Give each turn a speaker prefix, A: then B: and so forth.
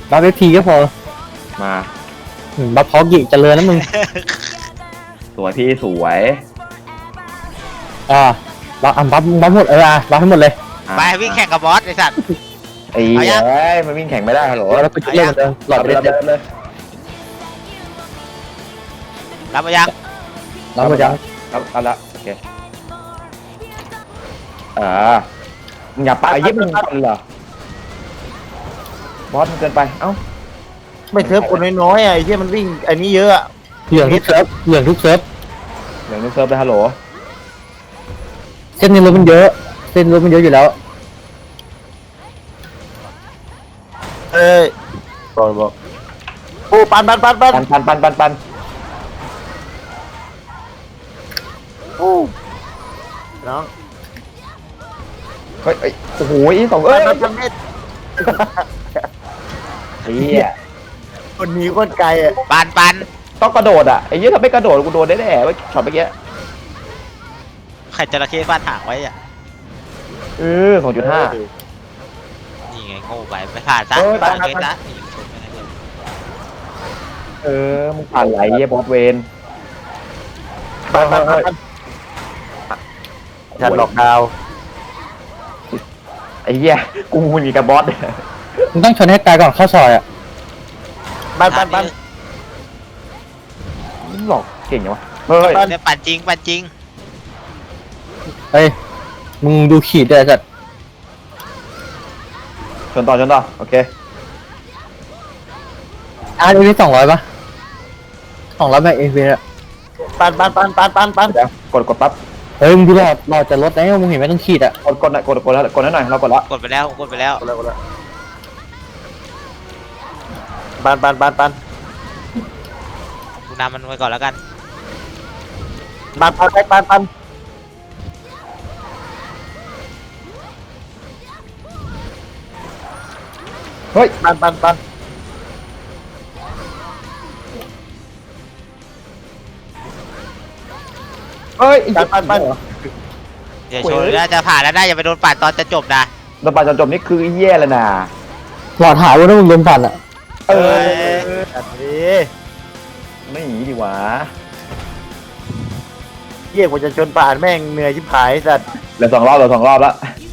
A: บัฟเอฟทีก็พอ
B: มา
A: บัฟพอกิเจริญนะมึง
B: สวยพี่สวย
A: บัฟหมดบัฟให้หมดเลย
C: ไปวิ่งแข่งกับบอสไอ้สัตว์
B: ไอ้
C: เอายัง
B: เอ้ยมันวิ่งแข่งไม่ได้ฮัลโหล
A: แล้วก็เล่นเหมือนเดิมหลอดไป
B: เดิ
A: เรื่อย
B: มเลย
C: รับมายัง
A: ๆแล้วมันจะ
B: เอาละโอเคมึงอย่าปะยิบมึงกันเหรอบอสมันเกินไปเอ้า
D: ไม่เทิร์ฟคนน้อยๆไอ้ที่มันวิ่งไอ้นี้เยอะอะ
A: เหลืองทุกเซิร์ฟเหลืองทุกเซิร์ฟ
B: เดี๋ยวนึกเซิร์ฟเลยฮัลโหล
A: เส้นนี้รถมันเยอะเส้นรถมันเยอะอยู่แล้ว
D: เอ้ยบอกโอ้ปัน
B: ปัน
D: โอ้น้อง
B: เฮ้ยโอ้โหอีสองเอ้ย
D: ปันเม็ด
B: ไอ้เหี้ย
D: คนหนีคนไกลอะ
C: ปัน
B: ต้องกระโดดอ่ะไอ้เหี้ยถ้าไม่กระโดดกูโดนแน่ๆเว้ยช็อตเมื่อกี้
C: ไข่จระเข้ฟาดหางไว้อ่ะ
B: 2.5
C: นี่ไงโง่ไปไม่ผ่านซะ
B: เออ
C: ผ่าน
B: ผ่าน
C: เลยซะนี่ชนไปนะเพื่อน
B: มึงผ่านไหลเหี้ยบอสเวน
D: ปันฉันหลอกดาว
B: ไอ้เหี้ยกูมีกับบอส
A: มึงต้องชนให้ตายก่อนเข้าซอยอ่ะ
D: ปัน
B: มึงหลอกเก่งจังวะเฮ้ย
C: เนี่ยปั่นจริง
A: เฮ้ยมึงดูขีดด้วยสัตว์
B: ชนต่อโอเค
A: ดูที่200ป่ะ200แบบเอฟอะ
D: ปัน
B: เดี๋ยวกดปั๊บ
A: เฮ้ยมึงดูหลอดจะลดแล้วมึงเห็นไหมต้องขีดอ่ะ
B: กดแล้วกดให้หน่อยเรากดแล้ว
C: กดไปแล้ว
D: ปัน
C: กูนำมันไว้ก่อนแล้วกัน
D: ปัน
B: เฮ้ย
D: ปัน
B: เฮ้ย
D: ปัน
C: เดี๋ยวชนน่าจะผ่านแล้วได้อย่าไปโดนปั่นตอนจะจบนะ
B: เราไปจนจบนี่คือแย่แล้วนะ
A: หลอดหายว่าถ้ามึงโดนปั่นอ่ะ
B: เออ
D: อันนี้
B: ไม่หนีดีวะ
D: เยี่ยกว่าจะชนป่านแม่งเหนื่อยชิบหายสัตว์
B: เหลือ2 รอบแล้ว